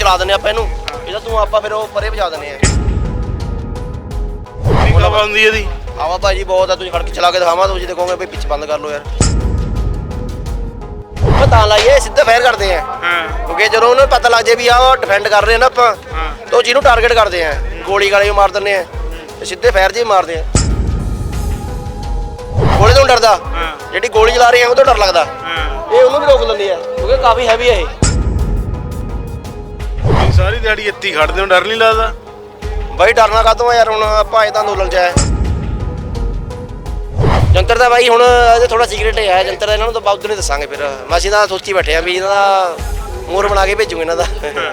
ਚਲਾ ਦਿੰਦੇ ਆਪਾਂ ਇਹਨੂੰ, ਇਹਦਾ ਤੂੰ ਆਪਾਂ ਫਿਰ ਉਹ ਪਰੇ ਭਜਾ ਦਿੰਦੇ ਆ। ਹਵਾ ਆਉਂਦੀ ਇਹਦੀ ਹਵਾ ਭਾਜੀ ਬਹੁਤ ਆ, ਤੁਸੀਂ ਖੜ ਕੇ ਚਲਾ ਕੇ ਦਿਖਾਵਾਂ, ਤੁਸੀਂ ਦੇਖੋਗੇ ਵੀ ਪਿੱਛੇ ਬੰਦ ਕਰ ਲਓ ਯਾਰ। ਉਹ ਤਾਂ ਲਾਈਏ ਸਿੱਧਾ ਫਾਇਰ ਕਰਦੇ ਆ, ਕਿਉਂਕਿ ਜਦੋਂ ਉਹਨੂੰ ਪਤਾ ਲੱਗ ਜੇ ਵੀ ਆਹ ਡਿਫੈਂਡ ਕਰ ਰਹੇ ਨਾ ਆਪਾਂ, ਤਾਂ ਉਹ ਜਿਹਨੂੰ ਟਾਰਗੇਟ ਕਰਦੇ ਆ, ਗੋਲੀ ਗਾਲੇ ਮਾਰ ਦਿੰਦੇ ਆ ਤੇ ਸਿੱਧੇ ਫਾਇਰ ਜੇ ਮਾਰਦੇ ਆ। ਗੋਲੀ ਤੋਂ ਡਰਦਾ, ਜਿਹੜੀ ਗੋਲੀ ਚਲਾ ਰਹੀ ਆ ਉਹ ਤੋਂ ਡਰ ਲੱਗਦਾ, ਇਹ ਉਹਨੂੰ ਵੀ ਰੋਕ ਲੈਂਦੀ ਆ ਕਿਉਂਕਿ ਕਾਫੀ ਹੈਵੀ ਆ ਇਹ। ਸਾਰੀ ਦਿਹਾੜੀ ਇੱਥੇ ਹੀ ਖੜਦੇ ਹੋ, ਡਰ ਨਹੀਂ ਲੱਗਦਾ? ਬਾਈ ਡਰਨਾ ਕਾਹਤੋਂ ਆ ਯਾਰ, ਹੁਣ ਆਪਾਂ ਇਹ ਤਾਂ ਅੰਦੋਲਨ ਚ ਆਏ। ਜੰਤਰ ਦਾ ਬਾਈ ਹੁਣ ਇਹਦੇ ਥੋੜਾ ਸੀਕ੍ਰੇਟ ਹੈ ਜੰਤਰ ਦਾ, ਇਹਨਾਂ ਨੂੰ ਤਾਂ ਬਾਅਦ ਨਹੀਂ ਦੱਸਾਂਗੇ। ਫਿਰ ਅਸੀਂ ਤਾਂ ਸੋਚੀ ਬੈਠੇ ਆ ਵੀ ਇਹਨਾਂ ਦਾ ਮੋਰ ਬਣਾ ਕੇ ਭੇਜੂਗੇ ਇਹਨਾਂ ਦਾ।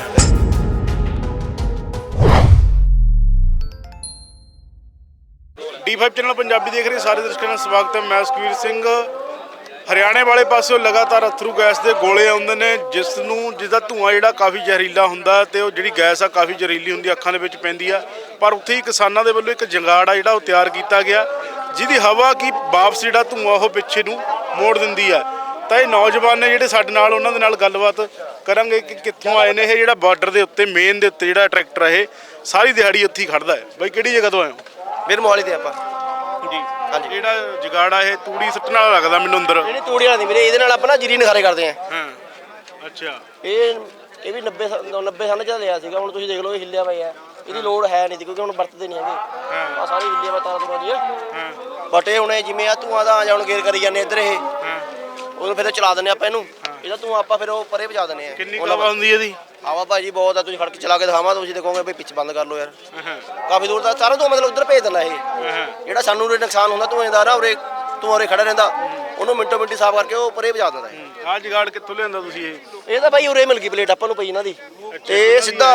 D5 ਚੈਨਲ ਪੰਜਾਬੀ ਦੇਖ ਰਹੇ ਸਾਰੇ ਦਰਸ਼ਕਾਂ ਦਾ ਸਵਾਗਤ ਹੈ। ਮੈਂ ਸੁਖਵੀਰ ਸਿੰਘ। ਹਰਿਆਣੇ ਵਾਲੇ ਪਾਸਿਓਂ ਲਗਾਤਾਰ ਅਥਰੂ ਗੈਸ ਦੇ ਗੋਲੇ ਆਉਂਦੇ ਨੇ, ਜਿਹਦਾ ਧੂੰਆਂ ਜਿਹੜਾ ਕਾਫੀ ਜ਼ਹਿਰੀਲਾ ਹੁੰਦਾ ਤੇ ਉਹ ਜਿਹੜੀ ਗੈਸ ਆ ਕਾਫੀ ਜ਼ਹਿਰੀਲੀ ਹੁੰਦੀ, ਅੱਖਾਂ ਦੇ ਵਿੱਚ ਪੈਂਦੀ ਆ। ਪਰ ਉੱਥੇ ਹੀ ਕਿਸਾਨਾਂ ਦੇ ਵੱਲੋਂ ਇੱਕ ਜੰਗਾੜ ਆ ਜਿਹੜਾ ਉਹ ਤਿਆਰ ਕੀਤਾ ਗਿਆ, ਜਿਹਦੀ ਹਵਾ ਕੀ ਵਾਪਸ ਜਿਹੜਾ ਧੂੰਆਂ ਉਹ ਪਿੱਛੇ ਨੂੰ ਮੋੜ ਦਿੰਦੀ ਆ। ਤਾਂ ਇਹ ਨੌਜਵਾਨ ਨੇ ਜਿਹੜੇ ਸਾਡੇ ਨਾਲ, ਉਹਨਾਂ ਦੇ ਨਾਲ ਗੱਲਬਾਤ ਕਰਾਂਗੇ ਕਿ ਕਿੱਥੋਂ ਆਏ ਨੇ ਇਹ। ਜਿਹੜਾ ਬਾਰਡਰ ਦੇ ਉੱਤੇ ਮੇਨ ਦੇ ਉੱਤੇ ਜਿਹੜਾ ਟਰੈਕਟਰ ਇਹ ਸਾਰੀ ਦਿਹਾੜੀ ਉੱਥੇ ਹੀ ਖੜਦਾ ਹੈ। ਬਾਈ ਕਿਹੜੀ ਜਗ੍ਹਾ ਤੋਂ ਆਏ ਹੋ? ਫਿਰ ਮੋਹਾਲੀ ਤੇ ਆਪਾਂ ਜੀ ਹਾਂਜੀ। ਜਿਹੜਾ ਜਗਾੜ ਆ ਇਹ ਤੂੜੀ ਸੁੱਟਣ ਵਾਲਾ ਲੱਗਦਾ ਮੈਨੂੰ ਅੰਦਰ। ਨਹੀਂ ਤੂੜੀ ਵਾਲਾ ਨਹੀਂ ਵੀਰੇ, ਇਹਦੇ ਨਾਲ ਆਪਾਂ ਨਾ ਜੀਰੀ ਨਖਾਰੇ ਕਰਦੇ ਆ। ਅੱਛਾ। ਇਹ ਵੀ 90 ਸਾਲ ਚ ਲਿਆ ਸੀਗਾ, ਹੁਣ ਤੁਸੀਂ ਦੇਖ ਲਓ ਇਹ ਹਿੱਲਿਆ ਪਿਆ। ਇਹਦੀ ਲੋੜ ਹੈ ਨਹੀਂ ਕਿਉਂਕਿ ਹੁਣ ਵਰਤਦੇ ਨਹੀਂ ਹੈਗੇ, ਆ ਸਾਰੀ ਹਿੱਲਿਆ ਵਾ ਤਾਰਾਂ ਤੁਰਾਂ ਦੀ ਆ। ਬਟ ਇਹ ਹੁਣ ਜਿਵੇਂ ਆ ਧੂਆਂ ਦਾ ਜਾਂ ਹੁਣ ਗੇਰ ਕਰੀ ਜਾਂਦੇ ਇੱਧਰ, ਇਹ ਉਹਨੂੰ ਫਿਰ ਚਲਾ ਦਿੰਦੇ ਆਪਾਂ ਇਹਨੂੰ, ਇਹਦਾ ਧੂਆਂ ਆਪਾਂ ਫਿਰ ਉਹ ਪਰੇ ਭਜਾ ਦਿੰਦੇ ਆ। ਕਿੰਨੀ ਹਵਾ ਆਉਂਦੀ ਇਹਦੀ? ਹਵਾ ਭਾਜੀ ਬਹੁਤ ਆ, ਤੁਸੀਂ ਖੜ ਕੇ ਚਲਾ ਕੇ ਦਿਖਾਵਾਂ, ਤੁਸੀਂ ਦੇਖੋਗੇ ਵੀ ਪਿੱਛੇ ਬੰਦ ਕਰ ਲਓ ਯਾਰ। ਕਾਫੀ ਦੂਰ ਦਾ ਸਾਰਾ ਧੂਆਂ ਮਤਲਬ ਉੱਧਰ ਭੇਜ ਦਿੰਦਾ ਇਹ, ਜਿਹੜਾ ਸਾਨੂੰ ਉਰੇ ਨੁਕਸਾਨ ਹੁੰਦਾ ਧੂਏ ਦਾ ਨਾ, ਉਰੇ ਧੂਆਂ ਉਰੇ ਖੜਾ ਰਹਿੰਦਾ, ਉਹਨੂੰ ਮਿੰਟੋ ਮਿੰਟੀ ਸਾਫ਼ ਕਰਕੇ ਉਹ ਪਰੇ ਭਜਾ ਦਿੰਦਾ ਇਹ। ਆਹ ਜਗਾੜ ਕਿੱਥੋਂ ਲਿਆਂਦਾ ਤੁਸੀਂ ਇਹ ਤਾਂ ਭਾਈ ਉਰੇ ਮਿਲ ਗਈ ਪਲੇਟ ਆਪਾਂ ਨੂੰ ਪਈ ਇਹਨਾਂ ਦੀ, ਤੇ ਸਿੱਧਾ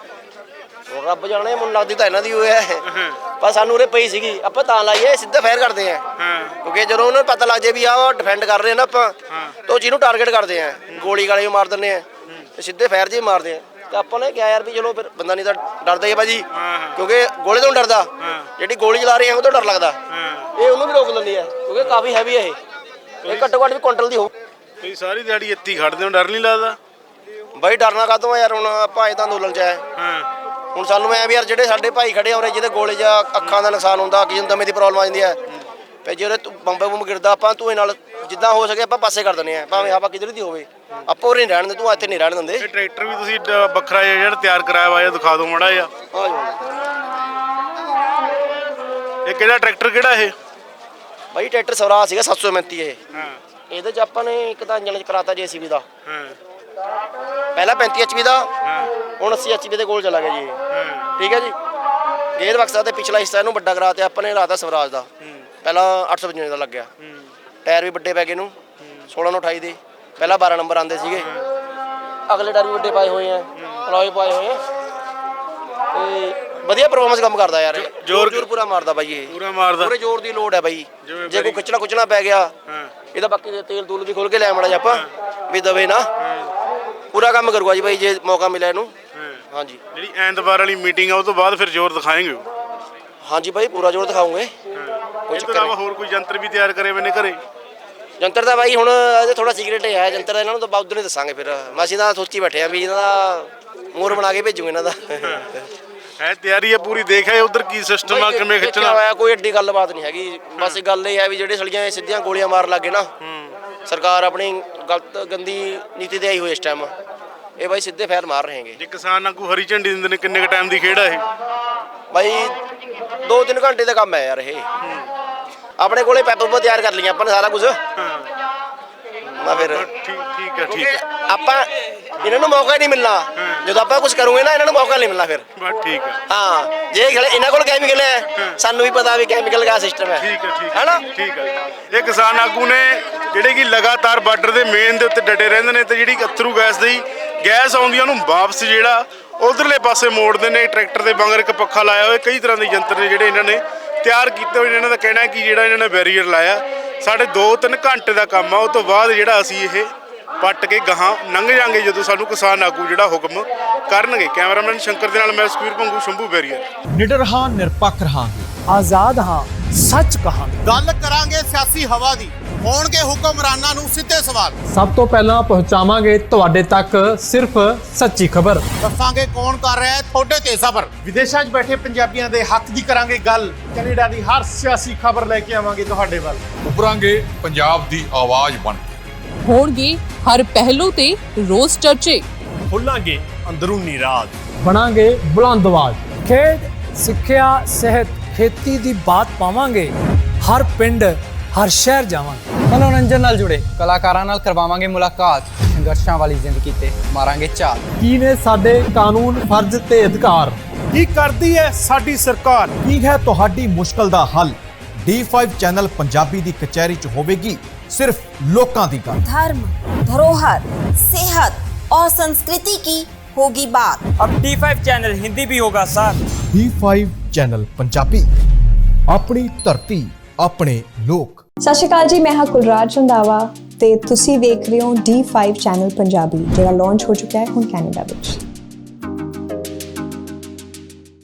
ਰੱਬ ਜਾਣੇ ਮੈਨੂੰ ਲੱਗਦੀ ਤਾਂ ਇਹਨਾਂ ਦੀ ਹੋਇਆ ਪਰ ਸਾਨੂੰ ਉਰੇ ਪਈ ਸੀਗੀ, ਆਪਾਂ ਤਾਂ ਲਾਈਏ ਸਿੱਧਾ ਫਾਇਰ ਕਰਦੇ ਆ, ਕਿਉਂਕਿ ਜਦੋਂ ਉਹਨੂੰ ਪਤਾ ਲੱਗ ਜੇ ਵੀ ਆਹ ਡਿਫੈਂਡ ਕਰ ਰਹੇ ਨਾ ਆਪਾਂ, ਤਾਂ ਉਹ ਜਿਹਨੂੰ ਟਾਰਗੇਟ ਕਰਦੇ ਆ, ਗੋਲੀ ਗਾਲੇ ਮਾਰ ਦਿੰਦੇ ਆ ਤੇ ਸਿੱਧੇ ਫਾਇਰ ਜੇ ਮਾਰਦੇ ਆ। ਤੇ ਆਪਾਂ ਨੇ ਕਿਹਾ ਯਾਰ ਵੀ ਚਲੋ ਫਿਰ ਬੰਦਾ ਨਹੀਂ ਤਾਂ ਡਰਦਾ ਹੀ ਆ ਭਾਜੀ, ਕਿਉਂਕਿ ਗੋਲੇ ਤੋਂ ਡਰਦਾ, ਜਿਹੜੀ ਗੋਲੀ ਚਲਾ ਰਹੀ ਆ ਉਹ ਤੋਂ ਡਰ ਲੱਗਦਾ, ਇਹ ਉਹਨੂੰ ਵੀ ਰੋਕ ਲੈਂਦੀ ਆ ਕਿਉਂਕਿ ਕਾਫੀ ਹੈਵੀ ਆ ਇਹ ਘੱਟੋ ਘੱਟ ਵੀ ਕੁਇੰਟਲ ਦੀ ਹੋ। ਤੁਸੀਂ ਸਾਰੀ ਦਿਹਾੜੀ ਇੱਥੇ ਹੀ ਖੜਦੇ ਹੋ, ਡਰ ਨਹੀਂ ਲੱਗਦਾ? ਬਾਈ ਡਰਨਾ ਕਾਹਤੋਂ ਆ ਯਾਰ, ਹੁਣ ਆਪਾਂ ਇਹ ਤਾਂ ਅੰਦੋਲਨ ਚ ਆਏ। ਹੁਣ ਸਾਨੂੰ ਐ ਵੀ ਯਾਰ ਜਿਹੜੇ ਸਾਡੇ ਭਾਈ ਖੜੇ ਆ ਉਰੇ, ਜਿਹਦੇ ਗੋਲੇ ਜਾਂ ਅੱਖਾਂ ਦਾ ਨੁਕਸਾਨ ਹੁੰਦਾ, ਕਿਸੇ ਨੂੰ ਦਮੇ ਦੀ ਪ੍ਰੋਬਲਮ ਆ ਜਾਂਦੀ ਹੈ, ਤੇ ਜਿਹੜੇ ਬੰਬ ਗਿਰਦਾ ਆਪਾਂ ਧੂਏ ਨਾਲ ਜਿੱਦਾਂ ਹੋ ਸਕੇ ਆਪਾਂ ਪਾਸੇ ਕਰ ਦਿੰਦੇ ਆ, ਭਾਵੇਂ ਹਵਾ ਕਿਧਰ ਦੀ ਹੋਵੇ, ਆਪਾਂ ਉਰੇ ਨਹੀਂ ਰਹਿਣ ਦਿੰਦੇ, ਤੂੰ ਇੱਥੇ ਨਹੀਂ ਰਹਿਣ ਦਿੰਦੇ। ਇਹ ਟਰੈਕਟਰ ਵੀ ਤੁਸੀਂ ਵੱਖਰਾ ਜਿਹੜਾ ਤਿਆਰ ਕਰਾਇਆ ਵਾ, ਇਹ ਦਿਖਾ ਦਿਓ ਮਾੜਾ ਜਿਹਾ। ਇਹ ਕਿਹੜਾ ਟਰੈਕਟਰ ਕਿਹੜਾ ਇਹ? ਬਾਈ ਟਰੈਕਟਰ ਸਵਰਾਜ ਸੀਗਾ 735 ਇਹ। ਇਹਦੇ ਚ ਆਪਾਂ ਨੇ ਇੱਕ ਤਾਂ ਇੰਜਣ ਚ ਕਰਾਤਾ JCB ਦਾ, ਪਹਿਲਾਂ 35 HP ਦਾ, ਹੁਣ 80 HP ਦੇ ਕੋਲ ਚਲਾ ਗਿਆ ਜੀ ਇਹ। ਠੀਕ ਹੈ ਜੀ, ਗੇਅਰ ਬਕਸਾ ਤੇ ਪਿਛਲਾ ਹਿੱਸਾ ਇਹਨੂੰ ਵੱਡਾ ਕਰਾਤੇ ਆਪਾਂ ਨੇ, ਲਾਤਾ ਸਵਰਾਜ ਦਾ, ਪਹਿਲਾਂ 855 ਦਾ ਲੱਗਿਆ। ਟਾਇਰ ਵੀ ਵੱਡੇ ਪੈ ਗਏ ਨੂੰ 16 ਨੂੰ 28 ਦੇ, ਪਹਿਲਾਂ 12 ਨੰਬਰ ਆਉਂਦੇ ਸੀਗੇ, ਅਗਲੇ ਟਾਇਰ ਵੀ ਵੱਡੇ ਪਾਏ ਹੋਏ ਆ, ਅਲੋਏ ਪਾਏ ਹੋਏ ਆ, ਤੇ ਵਧੀਆ ਪਰਫਾਰਮੈਂਸ ਕੰਮ ਕਰਦਾ ਯਾਰ, ਜ਼ੋਰ ਪੂਰਾ ਮਾਰਦਾ ਬਾਈ ਇਹ, ਪੂਰਾ ਮਾਰਦਾ, ਪੂਰੇ ਜ਼ੋਰ ਦੀ ਲੋਡ ਹੈ ਬਾਈ। ਜੇ ਕੋਈ ਖਿੱਚਣਾ ਪੈ ਗਿਆ ਇਹਦਾ, ਬਾਕੀ ਤੇਲ ਤੂਲ ਵੀ ਖੋਲ ਕੇ ਲੈ ਆਉਣਾ ਜੀ ਆਪਾਂ ਵੀ ਦਵੇ ਨਾ, ਪੂਰਾ ਕੰਮ ਕਰੂਗਾ ਜੀ ਬਾਈ ਜੇ ਮੌਕਾ ਮਿਲਿਆ ਇਹਨੂੰ। ਹਾਂਜੀ, ਜਿਹੜੀ ਐਤਵਾਰ ਵਾਲੀ ਮੀਟਿੰਗ ਆ ਉਹ ਤੋਂ ਬਾਅਦ ਫਿਰ ਜ਼ੋਰ ਦਿਖਾਏਂਗੇ? ਹਾਂਜੀ ਬਾਈ ਪੂਰਾ ਜ਼ੋਰ ਦਿਖਾਉਂਗੇ। ਕੋਈ ਚੱਕਰ ਨਹੀਂ। ਹੋਰ ਕੋਈ ਯੰਤਰ ਵੀ ਤਿਆਰ ਕਰੇ ਮੈਨੇ ਘਰੇ? ਜੰਤਰ ਦਾ ਬਾਈ ਹੁਣ ਇਹਦੇ ਥੋੜਾ ਸੀਕ੍ਰੇਟ ਹੈ ਜੰਤਰ ਦਾ, ਇਹਨਾਂ ਨੂੰ ਤਾਂ ਬਾਅਦ ਨਹੀਂ ਦੱਸਾਂਗੇ। ਫਿਰ ਅਸੀਂ ਤਾਂ ਸੋਚੀ ਬੈਠੇ ਆ ਵੀ ਇਹਨਾਂ ਦਾ ਮੋਰ ਬਣਾ ਕੇ ਭੇਜੂਗੇ ਇਹਨਾਂ ਦਾ। ਹੈ ਤਿਆਰੀ ਹੈ ਪੂਰੀ, ਦੇਖਿਆ ਉਧਰ ਕੀ ਸਿਸਟਮ ਆ, ਕਿਵੇਂ ਖਿੱਚਣਾ ਹੋਇਆ, ਕੋਈ ਐਡੀ ਗੱਲਬਾਤ ਨਹੀਂ ਹੈਗੀ। ਬਸ ਗੱਲ ਇਹ ਹੈ ਵੀ ਜਿਹੜੇ ਸੜੀਆਂ ਸਿੱਧੀਆਂ ਗੋਲੀਆਂ ਮਾਰਨ ਲੱਗੇ ਨਾ, ਸਰਕਾਰ ਆਪਣੀ ਗਲਤ ਗੰਦੀ ਨੀਤੀ ਤੇ ਆਈ ਹੋਈ ਇਸ ਟਾਈਮ, ਇਹ ਬਾਈ ਸਿੱਧੇ ਫਾਇਰ ਮਾਰ ਰਹੇ ਹੈਗੇ। ਜੇ ਕਿਸਾਨ ਆਗੂ ਹਰੀ ਝੰਡੀ ਦਿੰਦੇ ਨੇ, ਕਿੰਨੇ ਕ ਟਾਈਮ ਦੀ ਖੇਡ ਆ ਇਹ? ਬਾਈ 2-3 ਘੰਟੇ ਦਾ ਕੰਮ ਹੈ ਯਾਰ ਇਹ। ਆਪਣੇ ਕੋਲੇ ਪੈਪਰ ਤਿਆਰ ਕਰ ਲਈਆਂ ਆਪਾਂ ਨੇ ਸਾਰਾ ਕੁਝ, ਫਿਰ ਠੀਕ ਹੈ ਆਪਾਂ ਇਹਨਾਂ ਨੂੰ ਮੌਕਾ ਨਹੀਂ ਮਿਲਣਾ, ਜਦੋਂ ਆਪਾਂ ਕੁਝ ਕਰੂਗੇ ਨਾ ਇਹਨਾਂ ਨੂੰ ਮੌਕਾ ਨਹੀਂ ਮਿਲਣਾ ਫਿਰ। ਬਸ ਠੀਕ ਹੈ। ਹਾਂ, ਜੇ ਇਹਨਾਂ ਕੋਲ ਕੈਮੀਕਲ ਹੈ, ਸਾਨੂੰ ਵੀ ਪਤਾ ਵੀ ਕੈਮੀਕਲ ਦਾ ਸਿਸਟਮ ਹੈ। ਠੀਕ ਹੈ ਨਾ? ਠੀਕ ਹੈ। ਇਹ ਕਿਸਾਨ ਆਗੂ ਨੇ ਜਿਹੜੇ ਕਿ ਲਗਾਤਾਰ ਬਾਰਡਰ ਦੇ ਮੇਨ ਦੇ ਉੱਤੇ ਡਟੇ ਰਹਿੰਦੇ ਨੇ, ਤੇ ਜਿਹੜੀ ਅਥਰੂ ਗੈਸ ਦੀ ਗੈਸ ਆਉਂਦੀ ਉਹਨੂੰ ਵਾਪਸ ਜਿਹੜਾ ਉਧਰਲੇ ਪਾਸੇ ਮੋੜਦੇ ਨੇ। ਟਰੈਕਟਰ ਦੇ ਵਾਂਗਰ ਇੱਕ ਪੱਖਾ ਲਾਇਆ ਹੋਇਆ, ਕਈ ਤਰ੍ਹਾਂ ਦੇ ਯੰਤਰ ਨੇ ਜਿਹੜੇ ਇਹਨਾਂ ਨੇ ਤਿਆਰ ਕੀਤੇ ਹੋਏ ਨੇ। ਇਹਨਾਂ ਦਾ ਕਹਿਣਾ ਹੈ ਕਿ ਜਿਹੜਾ ਇਹਨਾਂ ਨੇ ਬੈਰੀਅਰ ਲਾਇਆ, ਸਾਡੇ 2-3 ਘੰਟੇ ਦਾ ਕੰਮ ਆ, ਉਹ ਤੋਂ ਬਾਅਦ ਜਿਹੜਾ ਅਸੀਂ ਇਹ ਪੱਟ ਕੇ ਗਾਹਾਂ ਲੰਘ ਜਾਾਂਗੇ ਜਦੋਂ ਸਾਨੂੰ ਕਿਸਾਨ ਆਗੂ ਜਿਹੜਾ ਹੁਕਮ ਕਰਨਗੇ। ਕੈਮਰਾਮੈਨ ਸ਼ੰਕਰ ਦੇ ਨਾਲ ਮੈਂ ਸੁਖਵੀਰ ਭੰਗੂ, ਸ਼ੰਭੂ ਬੈਰੀਅਰ। ਨਿਡਰ ਹਾਂ, ਨਿਰਪੱਖ ਰਹਾਂਗੇ, ਆਜ਼ਾਦ ਹਾਂ, ਸੱਚ ਕਹਾਂਗੇ। ਗੱਲ ਕਰਾਂਗੇ ਸਿਆਸੀ ਹਵਾ ਦੀ, ਹੋਣਗੇ ਹੁਕਮਰਾਨਾਂ ਨੂੰ ਸਿੱਧੇ ਸਵਾਲ। ਸਭ ਤੋਂ ਪਹਿਲਾਂ ਪਹੁੰਚਾਵਾਂਗੇ ਤੁਹਾਡੇ ਤੱਕ ਸਿਰਫ ਸੱਚੀ ਖਬਰ। ਦੱਸਾਂਗੇ ਕੌਣ ਕਰ ਰਿਹਾ ਹੈ ਤੁਹਾਡੇ ਤੇ ਸਬਰ। ਵਿਦੇਸ਼ਾਂ 'ਚ ਬੈਠੇ ਪੰਜਾਬੀਆਂ ਦੇ ਹੱਕ ਦੀ ਕਰਾਂਗੇ ਗੱਲ। ਕੈਨੇਡਾ ਦੀ ਹਰ ਸਿਆਸੀ ਖਬਰ ਲੈ ਕੇ ਆਵਾਂਗੇ ਤੁਹਾਡੇ ਵੱਲ। ਉਭਰਾਂਗੇ ਪੰਜਾਬ ਦੀ ਆਵਾਜ਼ ਬਣ ਕੇ। ਹੋਣਗੇ ਹਰ ਪਹਿਲੂ ਤੇ ਰੋਜ਼ ਚਰਚੇ। ਖੋਲਾਂਗੇ ਅੰਦਰੂਨੀ ਰਾਜ। ਬਣਾਂਗੇ ਬੁਲੰਦ ਆਵਾਜ਼। ਖੇਡ, ਸਿੱਖਿਆ, ਸਿਹਤ, ਖੇਤੀ ਦੀ ਬਾਤ ਪਾਵਾਂਗੇ। ਹਰ ਪਿੰਡ, ਹਰ ਸ਼ਹਿਰ ਜਾਵਾਂਗੇ। ਮਨੋਰੰਜਨ ਨਾਲ ਜੁੜੇ ਕਲਾਕਾਰਾਂ ਨਾਲ ਕਰਵਾਵਾਂਗੇ ਮੁਲਾਕਾਤ। ਸੰਘਰਸ਼ਾਂ ਵਾਲੀ ਜ਼ਿੰਦਗੀ ਤੇ ਮਾਰਾਂਗੇ ਝਾਤ। ਕੀ ਨੇ ਸਾਡੇ ਕਾਨੂੰਨ, ਫਰਜ਼ ਤੇ ਅਧਿਕਾਰ? ਕੀ ਕਰਦੀ ਹੈ ਸਾਡੀ ਸਰਕਾਰ? ਕੀ ਹੈ ਤੁਹਾਡੀ ਮੁਸ਼ਕਲ ਦਾ ਹੱਲ? D5 ਚੈਨਲ ਪੰਜਾਬੀ ਦੀ ਕਚਹਿਰੀ 'ਚ ਹੋਵੇਗੀ सिर्फ लोकां दी गल। धर्म, धरोहर, सेहत और संस्कृति की होगी बात। अब D5 चैनल हिंदी भी होगा सर। D5 चैनल पंजाबी, अपनी धरती अपने लोक। सत श्री अकाल जी, मैं हाँ कुलराज रंधावा ते तुसी वेख रहे हो D5 चैनल पंजाबी, जिहड़ा लॉन्च हो चुका है हुण कैनेडा विच।